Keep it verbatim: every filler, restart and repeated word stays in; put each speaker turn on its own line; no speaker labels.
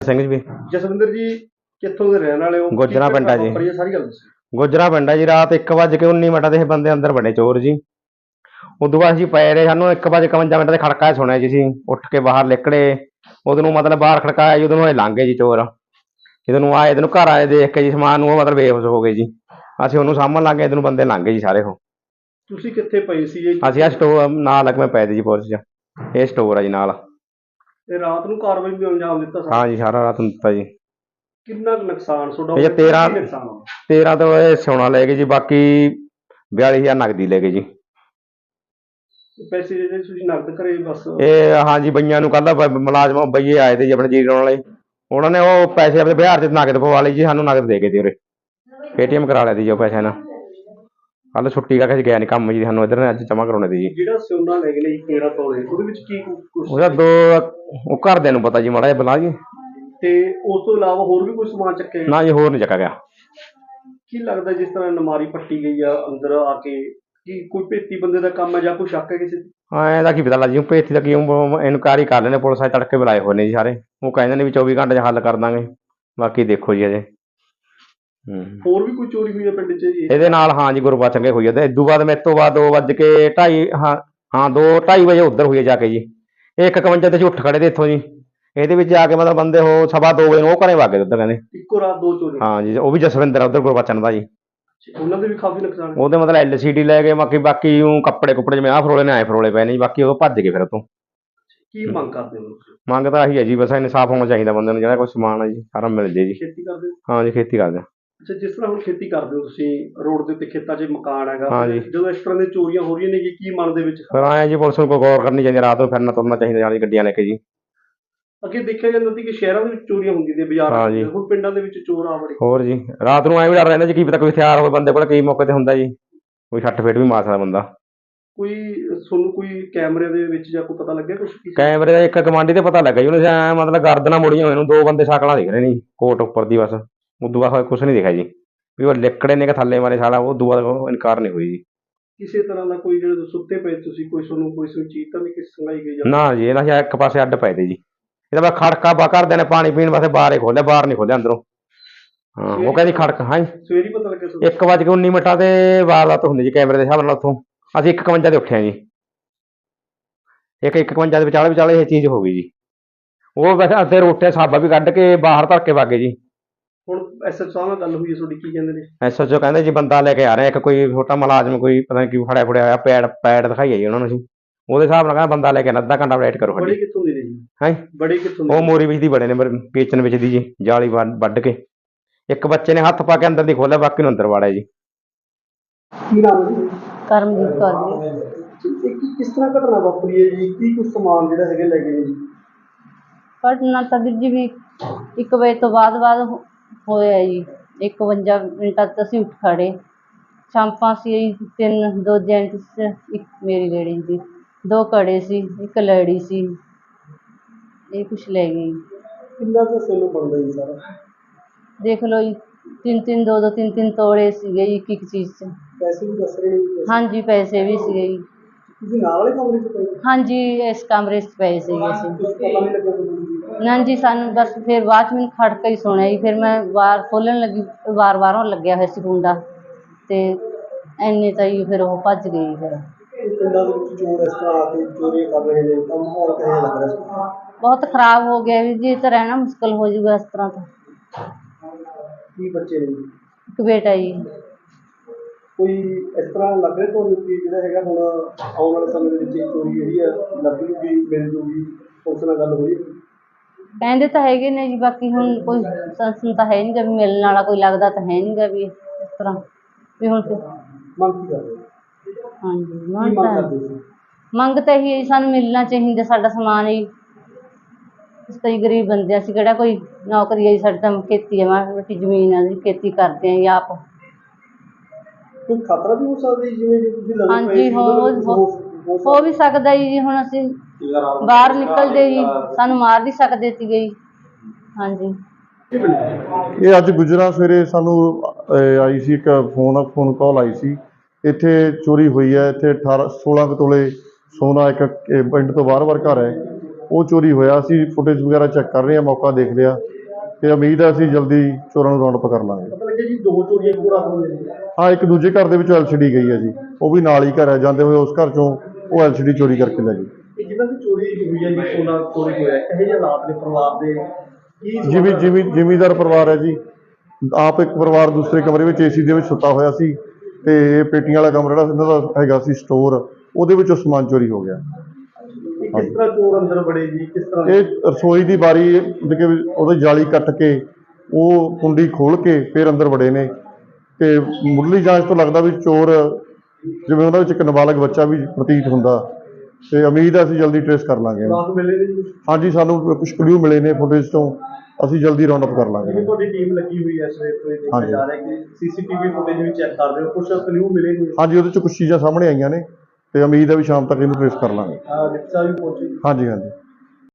ਸਿੰਘ ਜੀ।
ਜਸਵਿੰਦਰ ਜੀ ਕਿੱਥੋਂ ਦੇ ਰਹਿਣ ਵਾਲੇ ਹੋ?
ਗੁੱਜਰਾਂ ਪਿੰਡ ਆ ਜੀ।
ਸਾਰੀ ਗੱਲ ਦੱਸੋ।
ਗੁੱਜਰਾਂ ਪਿੰਡ ਆ ਜੀ। ਰਾਤ ਇੱਕ ਵੱਜ ਕੇ ਉੱਨੀ ਮਿੰਟ ਦੇ ਇਹ ਬੰਦੇ ਅੰਦਰ ਵੜੇ ਚੋਰ ਜੀ। ਉਦੋਂ ਬਾਅਦ ਅਸੀਂ ਪਏ ਰਹੇ, ਸਾਨੂੰ ਇੱਕ ਵੱਜ ਇਕਵੰਜਾ ਮਿੰਟ ਦੇ ਖੜਕਾ ਸੁਣਿਆ ਜੀ। ਅਸੀਂ ਉੱਠ ਕੇ ਬਾਹਰ ਨਿਕਲੇ, ਉਦੋਂ ਨੂੰ ਮਤਲਬ ਬਾਹਰ ਖੜਕਾਇਆ ਜੀ, ਉਦੋਂ ਨੂੰ ਇਹ ਲੰਘ ਗਏ ਜੀ ਚੋਰ। ਜਦੋਂ ਨੂੰ ਆਏ ਇਹਨੂੰ ਘਰ ਆਏ ਦੇਖ ਕੇ ਜੀ ਸਮਾਨ ਨੂੰ, ਉਹ ਮਤਲਬ ਬੇਹੋਸ਼ ਹੋ ਗਏ ਜੀ। ਅਸੀਂ ਉਹਨੂੰ ਸਾਂਭਣ ਲੱਗ ਗਏ, ਇਹਨੂੰ ਬੰਦੇ ਲੰਘ ਗਏ ਜੀ ਸਾਰੇ। ਉਹ
ਤੁਸੀਂ ਕਿੱਥੇ ਪਏ ਸੀ ਜੀ?
ਅਸੀਂ ਆ ਸਟੋਰ ਨਾਲ ਲੱਗਵੇਂ ਪਏ ਤੇ ਜੀ ਪੁਲਿਸ 'ਚ। ਇਹ ਸਟੋਰ ਆ ਜੀ ਨਾਲ।
ਤੇ ਰਾਤ ਨੂੰ ਕਾਰਵਾਈ ਵੀ ਅੰਜਾਮ ਦਿੱਤਾ?
ਹਾਂ ਜੀ, ਸਾਰਾ ਰਾਤ ਨੂੰ ਦਿੱਤਾ ਜੀ।
ਕਿੰਨਾ ਨੁਕਸਾਨ ਤੁਹਾਡਾ?
ਇਹ ਤੇਰਾਂ ਤੇਰਾਂ ਤੋਂ ਇਹ ਸੋਨਾ ਲੈ ਗਏ ਜੀ, ਬਾਕੀ ਬਿਆਲੀ ਹਜ਼ਾਰ ਨਗਦੀ ਲੈ ਗਏ ਜੀ।
ਪੈਸੇ ਜਿਹੜੇ ਤੁਸੀਂ ਨਕਦ ਕਰੇ ਬਸ?
ਇਹ ਹਾਂ ਜੀ, ਬਈਆਂ ਨੂੰ ਕੱਲ੍ਹ ਮੁਲਾਜ਼ਮ ਬਈਏ ਆਏ ਤੇ ਜੀ ਆਪਣੇ ਜੀਰੋ ਵਾਲੇ, ਉਹਨਾਂ ਨੇ ਉਹ ਪੈਸੇ ਆਪਣੇ ਬਿਹਾਰ 'ਚ ਨਗਦ ਪਵਾ ਲਈ ਜੀ। ਸਾਨੂੰ ਨਗਦ ਦੇ ਗਏ ਤੇ ਉਰੇ ਪੇਟੀਐਮ ਕਰਾ ਲਿਆ ਤੀ ਜੀ ਉਹ ਪੈਸੇ ਨਾਲ। ਕੱਲ੍ਹ ਛੁੱਟੀ ਕਰਕੇ ਅਸੀਂ ਗਿਆ ਨਹੀਂ ਕੰਮ ਜੀ, ਸਾਨੂੰ ਇੱਧਰ ਨੇ ਅੱਜ ਜਮ੍ਹਾਂ ਕਰਾਉਣੇ ਤੀ ਜੀ।
ਜਿਹੜਾ ਸੋਨਾ ਲੈ ਗਏ ਨੇ ਜੀ ਤੇਰਾਂ ਤੋਲੇ, ਉਹਦੇ ਵਿੱਚ ਕੀ ਕੁਛ?
ਉਹਦਾ ਦੋ ਉਹ ਘਰਦਿਆਂ ਨੂੰ ਪਤਾ ਜੀ, ਮਾੜਾ ਜਿਹਾ ਬਲਾ ਜੀ।
ਤੇ ਉਸ ਤੋਂ ਇਲਾਵਾ ਹੋਰ ਵੀ ਕੋਈ ਸਮਾਨ ਚੱਕਿਆ?
ਨਾ ਜੀ, ਹੋਰ ਨਹੀਂ ਚੱਕਾ ਗਿਆ।
ਕੀ ਲੱਗਦਾ ਜਿਸ ਤਰ੍ਹਾਂ ਨਮਾਰੀ ਪੱਟੀ ਗਈ ਆ ਅੰਦਰ ਆ ਕੇ, ਕੀ ਕੋਈ ਭੇਤੀ ਬੰਦੇ ਦਾ ਕੰਮ ਹੈ ਜਾਂ ਕੋਈ ਸ਼ੱਕ ਹੈ ਕਿਸੇ?
ਹਾਂ, ਇਹਦਾ ਕੀ ਪਤਾ ਲੱਗ ਜੀ। ਭੇਤੀ ਦਾ ਕੀ ਇਨਕੁਆਇਰੀ ਕਰ ਲੈਣੇ, ਪੁਲਿਸ ਵਾਲੇ ਤੜਕੇ ਬੁਲਾਏ ਹੋਏ ਨੇ ਜੀ ਸਾਰੇ। ਉਹ ਕਹਿੰਦੇ ਨੇ ਵੀ ਚੌਵੀ ਘੰਟੇ 'ਚ ਹੱਲ ਕਰ ਦਾਂਗੇ, ਬਾਕੀ ਦੇਖੋ ਜੀ ਅਜੇ।
ਹੋਰ ਵੀ ਕੋਈ ਚੋਰੀ ਹੋਈ ਹੈ ਪਿੰਡ 'ਚ
ਇਹਦੇ ਨਾਲ? ਹਾਂ ਜੀ, ਗੁਰਬਚਨ ਕੇ ਹੋਈ ਹੈ। ਤੇ ਇਦੋਂ ਬਾਅਦ ਮੇਰੇ ਤੋਂ ਬਾਅਦ ਦੋ ਵੱਜ ਕੇ ਢਾਈ ਹਾਂ ਹਾਂ ਦੋ ਢਾਈ ਵਜੇ ਉੱਧਰ ਹੋਈ ਹੈ ਜਾ ਕੇ ਜੀ। ਇਹ ਇੱਕ ਇਕਵੰਜਾ ਤੇ ਅਸੀਂ ਉੱਠ ਖੜੇ ਤੇ ਇੱਥੋਂ ਜੀ। ਇਹਦੇ ਵਿੱਚ ਆ ਕੇ ਮਤਲਬ ਬੰਦੇ ਉਹ ਸਵਾ ਦੋ ਵਜੇ ਨੂੰ ਉਹ ਘਰੇ ਵਗ ਗਏ ਉੱਧਰ, ਕਹਿੰਦੇ
ਇੱਕੋ ਰਾਤ ਦੋ ਚੋਰੀ? ਹਾਂ
ਜੀ, ਉਹ ਵੀ ਜਸਵਿੰਦਰ ਉੱਧਰ ਗੁਰਬਚਨ ਦਾ ਜੀ।
ਉਹਨਾਂ ਦੇ ਵੀ ਕਾਫੀ ਨੁਕਸਾਨ?
ਉਹਦੇ ਮਤਲਬ ਐਲ ਸੀ ਡੀ ਲੈ ਗਏ, ਬਾਕੀ ਬਾਕੀ ਉਹ ਕੱਪੜੇ ਕੁੱਪੜੇ ਜਿਵੇਂ ਆਹ ਫਰੋਲੇ ਨੇ ਆਏ ਫਰੋਲੇ ਪਏ ਨੇ ਜੀ। ਬਾਕੀ ਉਹ ਭੱਜ ਗਏ ਫਿਰ ਉੱਥੋਂ।
ਕੀ ਮੰਗ ਕਰਦੇ ਹੋ?
ਮੰਗ ਤਾਂ ਆਹੀ ਹੈ ਜੀ, ਬਸ ਇਨਸਾਫ ਹੋਣਾ ਚਾਹੀਦਾ ਬੰਦੇ ਨੂੰ, ਜਿਹੜਾ ਕੋਈ ਸਮਾਨ ਹੈ ਜੀ ਸਾਰਾ ਮਿਲ ਜੇ ਜੀ।
ਖੇਤੀ ਕਰਦੇ ਹੋ?
ਹਾਂ ਜੀ, ਖੇਤੀ ਕਰਦੇ ਹਾਂ।
ਅੱਛਾ, ਜਿਸ ਤਰ੍ਹਾਂ ਹੁਣ ਖੇਤੀ ਕਰਦੇ ਹੋ ਤੁਸੀਂ, ਰੋਡ ਦੇ ਉੱਤੇ ਖੇਤਾਂ 'ਚ ਮਕਾਨ ਹੈਗਾ,
ਹਾਂ ਜੀ।
ਜਦੋਂ ਇਸ ਤਰ੍ਹਾਂ ਦੀਆਂ ਚੋਰੀਆਂ ਹੋ ਰਹੀਆਂ ਨੇ ਜੀ, ਕੀ ਮਨ ਦੇ ਵਿੱਚ?
ਫਿਰ ਆਏ ਜੀ, ਪੁਲਿਸ ਨੂੰ ਕੋਈ ਗੌਰ ਕਰਨੀ ਚਾਹੀਦੀ, ਰਾਤ ਨੂੰ ਫਿਰਨਾ ਤੁਰਨਾ ਚਾਹੀਦਾ ਨਾਲ ਹੀ ਗੱਡੀਆਂ ਲੈ ਕੇ ਜੀ।
ਅੱਗੇ ਦੇਖਿਆ ਜਾਂਦਾ ਸੀ ਕਿ ਸ਼ਹਿਰਾਂ ਦੇ ਵਿੱਚ ਚੋਰੀਆਂ ਹੁੰਦੀਆਂ ਸੀ, ਬਾਜ਼ਾਰਾਂ ਦੇ ਵਿੱਚ, ਹੁਣ ਪਿੰਡਾਂ ਦੇ ਵਿੱਚ ਚੋਰ ਆ ਵੜੇ।
ਹੋਰ ਜੀ, ਰਾਤ ਨੂੰ ਐਂ ਵੀ ਡਰ ਰਹਿੰਦਾ ਜੀ, ਕੀ ਪਤਾ ਕੋਈ ਹਥਿਆਰ ਹੋਵੇ ਬੰਦੇ ਕੋਲ, ਕਈ ਮੌਕੇ ਤੇ ਹੁੰਦਾ ਜੀ, ਕੋਈ ਛੱਟ ਫੇਟ ਵੀ ਮਾਰ ਸਕਦਾ ਬੰਦਾ।
ਕੋਈ ਤੁਹਾਨੂੰ ਕੋਈ ਕੈਮਰੇ ਦੇ ਵਿੱਚ ਜਾਂ ਕੋਈ ਪਤਾ ਲੱਗਿਆ ਕੁਛ?
ਕੈਮਰੇ ਦਾ ਇੱਕ ਗਵਾਂਢੀ ਤੇ ਪਤਾ ਲੱਗਾ ਜੀ, ਉਹਨੇ ਐਂ ਮਤਲਬ ਗਰਦਨਾਂ ਮੁੜੀਆਂ ਹੋਈਆਂ ਨੂੰ ਦੋ ਬੰਦੇ ਸ਼ਕਲਾਂ ਦਿਖ ਰਹੇ ਨੇ ਜੀ ਕੋਟ ਉੱਪਰ ਦੀ, ਬਸ ਉਦੋਂ ਬਾਅਦ ਕੁਛ ਨਹੀਂ ਦਿਖਿਆ ਜੀ ਵੀ ਉਹ ਲਿਕੜੇ ਨੇ ਕਿ ਥੱਲੇ ਮਾਰੇ ਸਾਲਾ। ਉਹ ਉਦੋਂ ਬਾਅਦ ਉਹ ਇਨਕਾਰ ਨਹੀਂ ਹੋਈ ਜੀ।
ਕਿਸੇ ਤਰ੍ਹਾਂ ਦਾ ਕੋਈ ਜਿਹੜੇ ਸੁੱਤੇ ਪਏ ਤੁਸੀਂ, ਕੋਈ ਤੁਹਾਨੂੰ ਕੋਈ ਚੀਜ਼ ਤਾਂ ਨਹੀਂ ਕਿਸੇ ਸੰਗਾਈ ਗਈ?
ਨਾ ਜੀ, ਇਹਨਾਂ ਇੱਕ ਪਾਸੇ ਅੱਡ ਪਏ ਤੇ ਜੀ। ਇਹਦਾ ਬਸ ਖੜਕਾ ਬਾ ਘਰਦਿਆਂ ਨੇ ਪਾਣੀ ਪੀਣ ਵਾਸਤੇ ਬਾਹਰ ਹੀ ਖੋਲਿਆ, ਬਾਹਰ ਨਹੀਂ ਖੋਲਿਆ ਅੰਦਰੋਂ। ਹਾਂ, ਉਹ ਕਹਿੰਦੀ ਖੜਕ। ਹਾਂ ਜੀ,
ਸਵੇਰੇ ਪਤਾ ਲੱਗਿਆ?
ਇੱਕ ਵੱਜ ਕੇ ਉੱਨੀ ਮਿੰਟਾਂ ਤੇ ਵਾਰਦਾਤ ਹੁੰਦੀ ਜੀ ਕੈਮਰੇ ਦੇ ਹਿਸਾਬ ਨਾਲ। ਉੱਥੋਂ ਅਸੀਂ ਇੱਕ ਇਕਵੰਜਾ ਤੇ ਉੱਠਿਆ ਜੀ। ਇੱਕ ਇੱਕ ਇਕਵੰਜਾ ਦੇ ਵਿਚਾਲੇ ਵਿਚਾਲੇ ਇਹ ਚੀਜ਼ ਹੋ ਗਈ ਜੀ। ਉਹ ਵੈਸੇ ਅੱਧੇ ਰੋਟੇ ਸਾਬਾ ਵੀ ਕੱਢ ਕੇ ਬਾਹਰ ਧਰ ਕੇ ਵਾਗੇ ਜੀ।
ਹੁਣ ਐਸ ਐਚ ਓ ਨਾਲ ਗੱਲ ਹੋਈ ਹੈ ਤੁਹਾਡੀ, ਕੀ ਕਹਿੰਦੇ ਨੇ?
ਐਸ ਐਚ ਓ ਕਹਿੰਦੇ ਜੀ ਬੰਦਾ ਲੈ ਕੇ ਆ ਰਹੇ ਇੱਕ, ਕੋਈ ਛੋਟਾ ਮੁਲਾਜ਼ਮ, ਕੋਈ ਪਤਾ ਨਹੀਂ ਕੀ ਫੜਿਆ ਫੜਿਆ ਹੋਇਆ। ਪੈਡ ਪੈਡ ਦਿਖਾਈਏ ਜੀ ਉਹਨਾਂ ਨੂੰ ਅਸੀਂ, ਉਹਦੇ ਹਿਸਾਬ ਨਾਲ ਕਹਿੰਦਾ ਬੰਦਾ ਲੈ ਕੇ ਅੱਧਾ ਘੰਟਾ ਵੇਟ ਕਰੋ।
ਬੜੇ ਕਿੱਥੋਂ ਦੇ ਨੇ ਜੀ?
ਹਾਂ,
ਬੜੇ ਕਿੱਥੋਂ ਦੇ?
ਉਹ ਮੋਰੀ ਵਿੱਚ ਦੀ ਬੜੇ ਨੇ, ਵੇਚਣ ਵਿੱਚ ਦੀ ਜੀ, ਜਾਲੀ ਵੱਢ ਕੇ। ਇੱਕ ਬੱਚੇ ਨੇ ਹੱਥ ਪਾ ਕੇ ਅੰਦਰ ਦੀ ਖੋਲਿਆ, ਬਾਕੀ ਨੂੰ ਅੰਦਰ ਵਾੜਿਆ ਜੀ।
ਕੀ ਨਾਮ ਹੈ?
ਕਰਮਜੀਤ ਕੌਰ ਜੀ।
ਕਿਸ ਤਰ੍ਹਾਂ ਘਟਨਾ ਵਾਪਰੀ ਹੈ ਜੀ? ਕੀ ਕੁਛ ਸਮਾਨ ਜਿਹੜਾ ਹੈਗੇ ਲੈ ਗਏ ਨੇ ਜੀ?
ਘਟਨਾ ਤਾਂ ਵੀਰ ਜੀ ਵੀ ਇੱਕ ਵਜੇ ਤੋਂ ਬਾਅਦ ਬਾਅਦ ਹੋਇਆ ਜੀ। ਇਕਵੰਜਾ ਮਿੰਟਾਂ 'ਚ ਅਸੀਂ ਉੱਠ ਖੜ੍ਹੇ। ਸ਼ਾਂਪਾਂ ਸੀ ਤਿੰਨ, ਦੋ ਜੈਂਟਸ, ਇੱਕ ਮੇਰੀ ਲੇਡੀ ਦੀ, ਦੋ ਕੜੇ ਸੀ, ਇੱਕ ਲੜੀ ਸੀ, ਇਹ ਕੁਛ ਲੈ ਗਏ।
ਕਿੰਨਾ ਕੁ ਸੋਨਾ ਬਣਦਾ ਜੀ ਸਾਰਾ? ਦੇਖ
ਲਓ ਜੀ, ਤਿੰਨ ਤਿੰਨ ਦੋ ਦੋ ਤਿੰਨ ਤਿੰਨ ਤੋੜੇ ਸੀਗੇ ਜੀ ਇੱਕ ਇੱਕ ਚੀਜ਼ 'ਚ।
ਪੈਸੇ ਵੀ ਦੱਸ ਰਹੇ ਨੇ?
ਹਾਂਜੀ, ਪੈਸੇ ਵੀ ਸੀਗੇ ਜੀ।
ਤੁਸੀਂ ਨਾਲ ਵਾਲੇ ਕਮਰੇ 'ਚ ਪਏ?
ਹਾਂਜੀ, ਇਸ ਕਮਰੇ 'ਚ ਪਏ ਸੀਗੇ ਅਸੀਂ।
ਪਤਾ ਨਹੀਂ ਲੱਗਾ ਤੁਹਾਨੂੰ?
ਨਾ ਜੀ, ਸਾਨੂੰ ਬਸ ਫਿਰ ਬਾਅਦ 'ਚ ਮੈਨੂੰ ਖੜਕਾ ਹੀ ਸੁਣਿਆ ਜੀ। ਫਿਰ ਮੈਂ ਵਾਰ ਖੋਲ੍ਹਣ ਲੱਗੀ, ਵਾਰ ਬਾਹਰੋਂ ਲੱਗਿਆ ਹੋਇਆ ਸੀ ਕੁੰਡਾ, ਅਤੇ ਇੰਨੇ ਤਾਂ ਜੀ ਫਿਰ ਉਹ ਭੱਜ ਗਏ ਜੀ। ਫਿਰ
ਪਿੰਡਾਂ ਦੇ ਵਿੱਚ ਚੋਰ ਇਸ ਤਰ੍ਹਾਂ ਆ ਕੇ ਚੋਰੀਆਂ ਕਰ ਰਹੇ ਨੇ, ਤਾਂ ਮਾਹੌਲ ਕਿਹੋ ਜਿਹਾ ਲੱਗ ਰਿਹਾ?
ਬਹੁਤ ਖਰਾਬ ਹੋ ਗਿਆ ਵੀ ਜੀ, ਤਾਂ ਰਹਿਣਾ ਮੁਸ਼ਕਿਲ ਹੋ ਜਾਊਗਾ ਇਸ ਤਰ੍ਹਾਂ ਤਾਂ।
ਕੀ ਬੱਚੇ ਨੇ?
ਇੱਕ ਬੇਟਾ ਜੀ।
ਕੋਈ ਇਸ ਤਰ੍ਹਾਂ ਲੱਗ ਰਿਹਾ ਤੁਹਾਨੂੰ ਕਿ ਜਿਹੜਾ ਹੈਗਾ ਹੁਣ ਆਉਣ ਵਾਲੇ ਸਮੇਂ ਦੇ ਵਿੱਚ ਚੋਰੀ ਜਿਹੜੀ ਆ ਲੱਗ ਜੂਗੀ, ਮਿਲ ਜੂਗੀ? ਉਸ ਨਾਲ ਗੱਲ ਹੋਈ?
ਕਹਿੰਦੇ ਤਾਂ ਹੈਗੇ ਨੇ ਜੀ, ਬਾਕੀ ਹੁਣ ਕੋਈ ਸੰਸਨ ਤਾਂ ਹੈ ਨਹੀਂ ਗਾ ਵੀ ਮਿਲਣ ਵਾਲਾ, ਕੋਈ ਲੱਗਦਾ ਤਾਂ ਹੈ ਨਹੀਂ ਗਾ ਵੀ ਇਸ ਤਰ੍ਹਾਂ ਵੀ। ਹੁਣ ਫਿਰ
ਮੰਗ ਕੀ ਕਰਦੇ?
ਹਾਂਜੀ, ਮੰਗ ਤਾਂ ਮੰਗ ਤਾਂ ਇਹੀ ਹੈ ਜੀ, ਸਾਨੂੰ ਮਿਲਣਾ ਚਾਹੀਦਾ ਸਾਡਾ ਸਮਾਨ ਜੀ। ਅਸੀਂ ਤਾਂ ਜੀ ਗਰੀਬ ਬੰਦੇ, ਅਸੀਂ ਕਿਹੜਾ ਕੋਈ ਨੌਕਰੀ ਹੈ ਜੀ, ਸਾਡੀ ਤਾਂ ਖੇਤੀ ਹੈ, ਮਾੜੀ ਮੋਟੀ ਜ਼ਮੀਨ ਆ ਜੀ, ਖੇਤੀ ਕਰਦੇ ਹਾਂ ਜੀ ਆਪ।
ਕੋਈ ਖਤਰਾ ਵੀ ਹੋ ਸਕਦਾ ਜੀ, ਜਿਵੇਂ ਤੁਸੀਂ ਲੱਗਦਾ?
ਹਾਂਜੀ, ਹੋ ਹੋ ਵੀ ਸਕਦਾ ਜੀ। ਹੁਣ ਅਸੀਂ ਬਾਹਰ ਨਿਕਲਦੇ ਜੀ, ਸਾਨੂੰ ਮਾਰ ਵੀ ਸਕਦੇ ਸੀਗੇ ਜੀ। ਹਾਂਜੀ,
ਇਹ ਅੱਜ ਗੁਜਰਾਂ ਸਵੇਰੇ ਸਾਨੂੰ ਆਈ ਸੀ ਇੱਕ ਫੋਨ ਫੋਨ ਕਾਲ ਆਈ ਸੀ, ਇੱਥੇ ਚੋਰੀ ਹੋਈ ਹੈ। ਇੱਥੇ ਅਠਾਰਾਂ ਸੋਲਾਂ ਕੁ ਤੋਲੇ ਸੋਨਾ ਇੱਕ ਪਿੰਡ ਤੋਂ ਬਾਹਰ ਬਾਹਰ ਘਰ ਹੈ, ਉਹ ਚੋਰੀ ਹੋਇਆ। ਅਸੀਂ ਫੁਟੇਜ ਵਗੈਰਾ ਚੈੱਕ ਕਰ ਰਹੇ ਹਾਂ, ਮੌਕਾ ਦੇਖ ਲਿਆ ਤੇ ਉਮੀਦ ਹੈ ਅਸੀਂ ਜਲਦੀ ਚੋਰਾਂ ਨੂੰ ਰਾਉਂਡ ਅਪ ਕਰ ਲਾਂਗੇ।
ਪਤਾ ਲੱਗਿਆ ਜੀ ਦੋ ਚੋਰੀਆਂ ਇੱਕੋ ਰਾਤ ਹੋਈਆਂ ਜੀ।
ਹਾਂ, ਇੱਕ ਦੂਜੇ ਘਰ ਦੇ ਵਿੱਚੋਂ ਐਲ ਸੀ ਡੀ ਗਈ ਹੈ ਜੀ, ਉਹ ਵੀ ਨਾਲ ਹੀ ਘਰ ਹੈ, ਜਾਂਦੇ ਹੋਏ ਉਸ ਘਰ ਚੋਂ ਉਹ ਐਲ ਸੀ ਡੀ ਚੋਰੀ ਕਰਕੇ ਲੈ ਗਈ।
ਇਹ ਜਿਹਨਾਂ ਦੀ ਚੋਰੀ ਹੋਈ ਹੈ ਜੀ, ਸੋਨਾ ਚੋਰੀ ਹੋਇਆ, ਇਹੋ ਜਿਹੇ ਹਾਲਾਤ ਨੇ ਪਰਿਵਾਰ ਦੇ ਕੀ
ਜਿਮੀ ਜਿਮੀ ਜ਼ਿਮੀਂਦਾਰ ਪਰਿਵਾਰ ਹੈ ਜੀ। ਆਪ ਇੱਕ ਪਰਿਵਾਰ ਦੂਸਰੇ ਕਮਰੇ ਵਿੱਚ ਏ ਸੀ ਦੇ ਵਿੱਚ ਸੁੱਤਾ ਹੋਇਆ ਸੀ ਤੇ ਇਹ ਪੇਟੀਆਂ ਵਾਲਾ ਕਮਰਾ ਜਿਹੜਾ ਇਹਨਾਂ ਦਾ ਹੈਗਾ ਸੀ ਸਟੋਰ, ਉਹਦੇ ਵਿੱਚੋਂ ਸਮਾਨ ਚੋਰੀ ਹੋ ਗਿਆ।
ਇਹ ਕਿਸ ਤਰ੍ਹਾਂ ਚੋਰ ਅੰਦਰ ਵੜੇ ਜੀ, ਕਿਸ ਤਰ੍ਹਾਂ?
ਇਹ ਰਸੋਈ ਦੀ ਬਾਰੀ ਮਤਲਬ ਕਿ ਉਹਦੀ ਜਾਲੀ ਕੱਟ ਕੇ ਉਹ ਕੁੰਡੀ ਖੋਲ ਕੇ ਫਿਰ ਅੰਦਰ ਵੜੇ ਨੇ ਤੇ ਮੁੱਢਲੀ ਜਾਂਚ ਤੋਂ ਲੱਗਦਾ ਵੀ ਚੋਰ ਜਿਵੇਂ ਉਹਨਾਂ ਵਿੱਚ ਇੱਕ ਨਾਬਾਲਗ ਬੱਚਾ ਵੀ ਪ੍ਰਤੀਤ ਹੁੰਦਾ ਤੇ ਉਮੀਦ ਹੈ ਅਸੀਂ ਜਲਦੀ ਟ੍ਰੇਸ ਕਰ ਲਾਂਗੇ।
ਰਾਤ ਮਿਲੇ ਨੇ ਜੀ?
ਹਾਂਜੀ, ਸਾਨੂੰ ਕੁਝ ਕਲੂ ਮਿਲੇ ਨੇ ਫੁਟੇਜ ਤੋਂ, ਅਸੀਂ ਜਲਦੀ ਰਾਉਂਡ ਅਪ ਕਰ ਲਾਂਗੇ।
ਜਿਵੇਂ ਤੁਹਾਡੀ ਟੀਮ ਲੱਗੀ ਹੋਈ ਹੈ ਸਵੇਰ ਤੋਂ, ਇਹ ਦੇਖਿਆ ਜਾ ਰਿਹਾ ਕਿ ਸੀਸੀਟੀਵੀ ਫੁਟੇਜ ਵੀ ਚੈੱਕ ਕਰ ਰਹੇ ਹੋ, ਕੁਝ ਕਲੂ ਮਿਲੇ ਨੇ?
ਹਾਂਜੀ, ਉਹਦੇ 'ਚ ਕੁਝ ਚੀਜ਼ਾਂ ਸਾਹਮਣੇ ਆਈਆਂ ਨੇ ਤੇ ਉਮੀਦ ਹੈ ਵੀ ਸ਼ਾਮ ਤੱਕ ਇਹਨੂੰ ਟ੍ਰੇਸ ਕਰ ਲਾਂਗੇ।
ਰਿਕਸ਼ਾ ਵੀ ਪਹੁੰਚੀ?
ਹਾਂਜੀ ਹਾਂਜੀ।